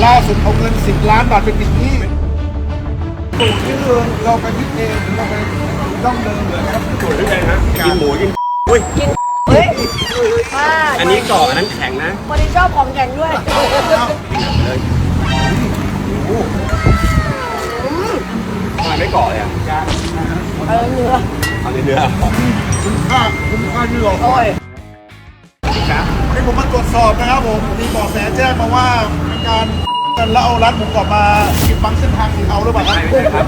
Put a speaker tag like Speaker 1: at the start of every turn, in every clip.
Speaker 1: ล่าสุดเอาเงิน10 ล้านบาทไปปิดหนี้สูตรที่เราไปคิดเองเราไปต้องเดินเหมือนนะครับ
Speaker 2: สูตรที่ไงฮะกินหมูกินอุ้ย
Speaker 3: กินเฮ้ย
Speaker 2: อันนี้กรอบอันนั้นแข็งนะ
Speaker 3: วันนี้ชอบของแข็งด้วย
Speaker 2: เลย ทำไมไม่กรอบเลยอ่ะ
Speaker 3: เนื้อ
Speaker 2: เอาเนื้อ
Speaker 1: คุ้มค่าที่รอค
Speaker 3: โอ้
Speaker 1: อย
Speaker 3: ย
Speaker 2: ครับ
Speaker 1: วันนี้ผมมาตรวจสอบนะครับผมมีเบาะแสแจ้งมาว่ามีการกันแล้วเอาร้านหมูกรอบมาปิดบังเส้นทางสีเทาหรือเปล่าครับ
Speaker 2: ไม่ใช่ครับ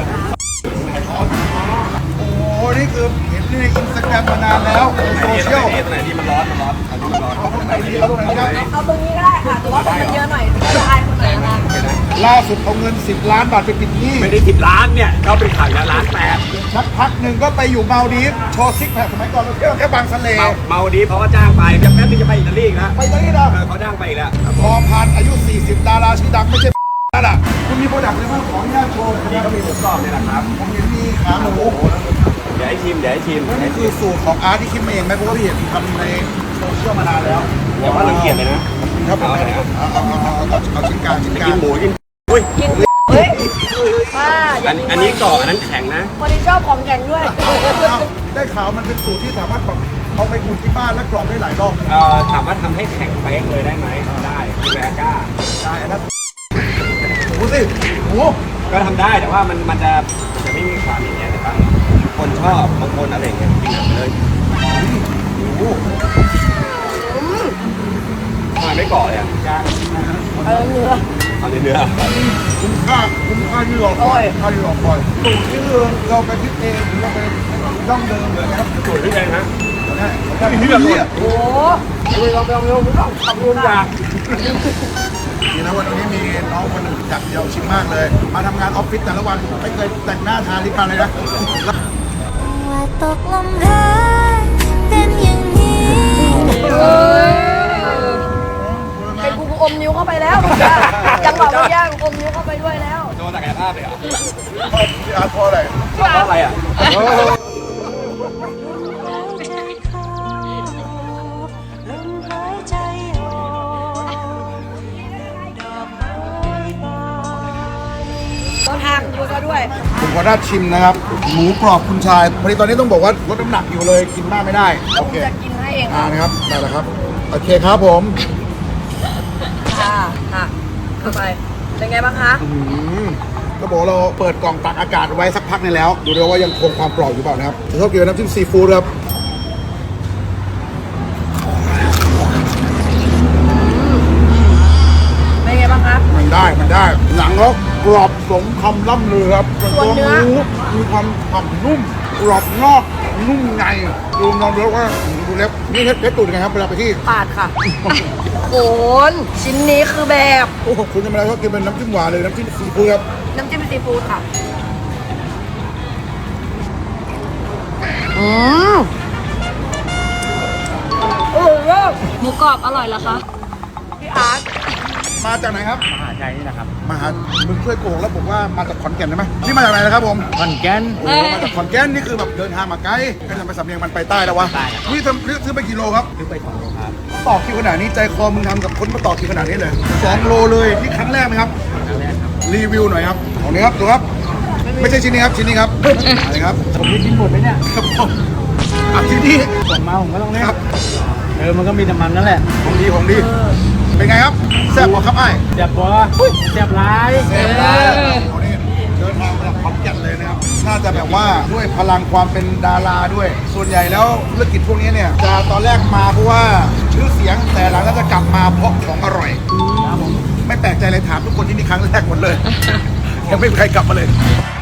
Speaker 1: โอ้โหนี่คือเห็นในอินสตาแกรมมานานแล้วในโซเชียล
Speaker 2: ตรงไหนที่มันร้อนมันร้อนอันนี้มันร้อน
Speaker 1: เอาตรงไหนดีเอาตรงไหนครับ
Speaker 3: เอาตรงนี้ก็ได้ค่ะแต่ว่าคนมันเยอะหน่อยจะอายคนไหนนะ
Speaker 1: ล่าสุดเอาเงิน10 ล้านบาทไปปิดหนี้
Speaker 2: ไม่ได้10 ล้านเนี่ยเขาเป็นข่าวล้าน8
Speaker 1: ชักพักหนึ่งก็ไปอยู่มาลดีฟส์โชว์ซิกแพคสมัยก่อนเราเที่ยวแค่บางสะเล
Speaker 2: เมาดีเขาก็จ้างไปแป๊บนึงจะไปอิตาลีอีกแล้ว
Speaker 1: ไปตรงนี้นะ
Speaker 2: เขาจ้างไปอีกแล้ว
Speaker 1: พอพันอายุ 40 ดาราชื่อดังไม่ใช่นั่นแหละคุณมีโปรดักต์อะไรบ้างขออนุญาตโชว์
Speaker 2: นี่ก็มีหมูกรอบเนี่ยแหละครับ
Speaker 1: ผมเห็นมีขาหมู
Speaker 2: เดี๋ยวให้ชิม
Speaker 1: นั่นคือสูตรของอาร์ตที่คิดมาเองไหมเพราะว่าพี่เห็นทำในโซเชียลมานานแล้ว
Speaker 2: อย่าว่ารังเกียจเลยนะ
Speaker 1: ครับผมเอาชิ้นกลาง
Speaker 2: กินหมูกินอุ้ย
Speaker 3: กินเฮ้ยป้า
Speaker 2: อันนี้กรอบอันนั้นแข็งนะ
Speaker 3: วันนี้ชอบของแข็งด้วย
Speaker 1: ได้ข่าวมันเป็นสูตรที่สามารถแบบเอาไปอุ่นที่บ้านและกรอบได้หลายรอบ
Speaker 2: ถามว่าทำให้แข็งเป๊กเลยได้ไหมได้คือแบก้า
Speaker 1: ได้นะหมูสิหมู
Speaker 2: ก็ทำได้แต่ว่ามันจะไม่มีความอย่างเงี้ยแต่บางคนชอบบางคนอะไรอย่างเงี้ยกินหนักไปเลย
Speaker 1: หมู
Speaker 2: ทำไมไม่กรอบเลยอ่ะ
Speaker 3: เนื้อ
Speaker 2: เอาเนื้อ
Speaker 1: คุ้มค่าที่รอคอยค่าที่รอคอยสูตรที่เราไปคิดเองเราไปต้องเดินเหมือนนะครับ
Speaker 2: สูตรที่ไงฮะ
Speaker 1: นี่แบบนี้
Speaker 3: โอ้ยลองทำดูนะ
Speaker 1: นี่นะวันนี้มีน้องคนหนึ่งจัดเดียวชิมมากเลย มาทำงานออฟฟิศแต่ละวันไม่เคยแต่งหน้าทาลิปมันเลยนะ
Speaker 4: ว่าตกลมรักเป็นอย่างนี้
Speaker 3: ไอ้กูอมนิ้วเข้าไปแล้วจังหวะมันยากอมนิ้วเข้าไปด้วยแล้ว
Speaker 2: โชว์ศักยภาพเลยเหรอ
Speaker 1: พี่อาร์ตพออะไร
Speaker 2: เพราะอะไรอ่ะ
Speaker 4: หายใจออกดอกไม้บาน
Speaker 3: ต้นทางดูซะด้วย
Speaker 1: ผมขออนุญาตชิมนะครับ หมูกรอบคุณชายพอดีตอนนี้ต้องบอกว่าลดน้ำหนักอยู่เลยกินมากไม่ได้
Speaker 3: แล้ว
Speaker 1: โอ
Speaker 3: ผม
Speaker 1: เค
Speaker 3: จะกินให้เอง
Speaker 1: นะครับได้แล้วครับโอเคครับผม
Speaker 3: ค่ะเข้าไปเป็นไงบ้างคะ
Speaker 1: ก็บอกเราเปิดกล่องตักอากาศไว้สักพักนึงแล้ว ดูด้วยว่ายังคงความกรอบอยู่เปล่านะครับชอบกินน้ำจิ้มซีฟู้ดครับ
Speaker 3: เป็นไงบ้างคะ
Speaker 1: มันได้หนังแล้วกรอบสมคำล่ำลือครับ
Speaker 3: ส่วนเนื้อ
Speaker 1: หมูมีความฉ่ำนุ่มกรอบนอกนุ่มในดูลองดูแล้วว่าดูเล็บนี่เพชรตูดไงครับเวลาไปที่
Speaker 3: ปาดค่ะโอนชิ้นนี้คือแบบ
Speaker 1: โอ้คุณจะมาแล้วก็กินเป็นน้ำจิ้มหวานเลยน้ำจิ้มซีฟู้ดครับ
Speaker 3: น้ำจิ้มซีฟู้ดค่ะโอ้โห
Speaker 4: หมูกรอบอร่อยเหรอคะ
Speaker 3: พี่อาร์ต
Speaker 1: มาจากไหนครับ
Speaker 2: มหาชัยนี่นะครับ
Speaker 1: มาหามึงช่วยโกงแล้วผมว่ามาจากขอนแก่นได้ไหมนี่มาจากไหนนะครับผม
Speaker 2: ขอนแก่น
Speaker 1: โอ้โหมาจากขอนแก่นนี่คือแบบเดินทางมาไกลก็ทำไปสำเนียงมันไปใต้แล้ววะ
Speaker 2: ใต้ครับ
Speaker 1: นี่ซื้อไปกี่โลครับ
Speaker 2: ซื้อไป2 โลครับ
Speaker 1: ต่อคิวขนาดนี้ใจคอมึงทำกับคนมาต่อคิวขนาดนี้เลย2 โลเลยนี่ครั้งแรกไหมครับ
Speaker 2: ครั้งแรกครับ
Speaker 1: รีวิวหน่อยครับของนี้ครับดูครับ ไม่ใช่ชิ้นนี้ครับชิ้นนี้ครับอะไรครับ
Speaker 2: ผมได้กินหมดไหมเนี่ย
Speaker 1: ครับผมอ่ะชิ้นนี้
Speaker 2: ผมมาผมก็ต้องเล่น
Speaker 1: ครับ
Speaker 2: มันก็มีแต่มันนั่นแหละ
Speaker 1: ของดีเป็นไงครับแซ่บบอกครับไอ้
Speaker 2: เจ็บปะเจ็บร้าย
Speaker 1: แซ่บมากเอานี่เดินทางมาจากขอนแก่นเลยนะครับน่าจะแบบว่าด้วยพลังความเป็นดาราด้วย ส่วนใหญ่แล้วธุรกิจพวกนี้เนี่ยจะตอนแรกมาเพราะว่าชื่อเสียงแต่หลังก็จะกลับมาเพราะของอร่อย
Speaker 2: ครับผม
Speaker 1: ไม่แปลกใจเลยถามทุกคนที่นี่ครั้งแรกหมดเลย ยังไม่มีใครกลับมาเลย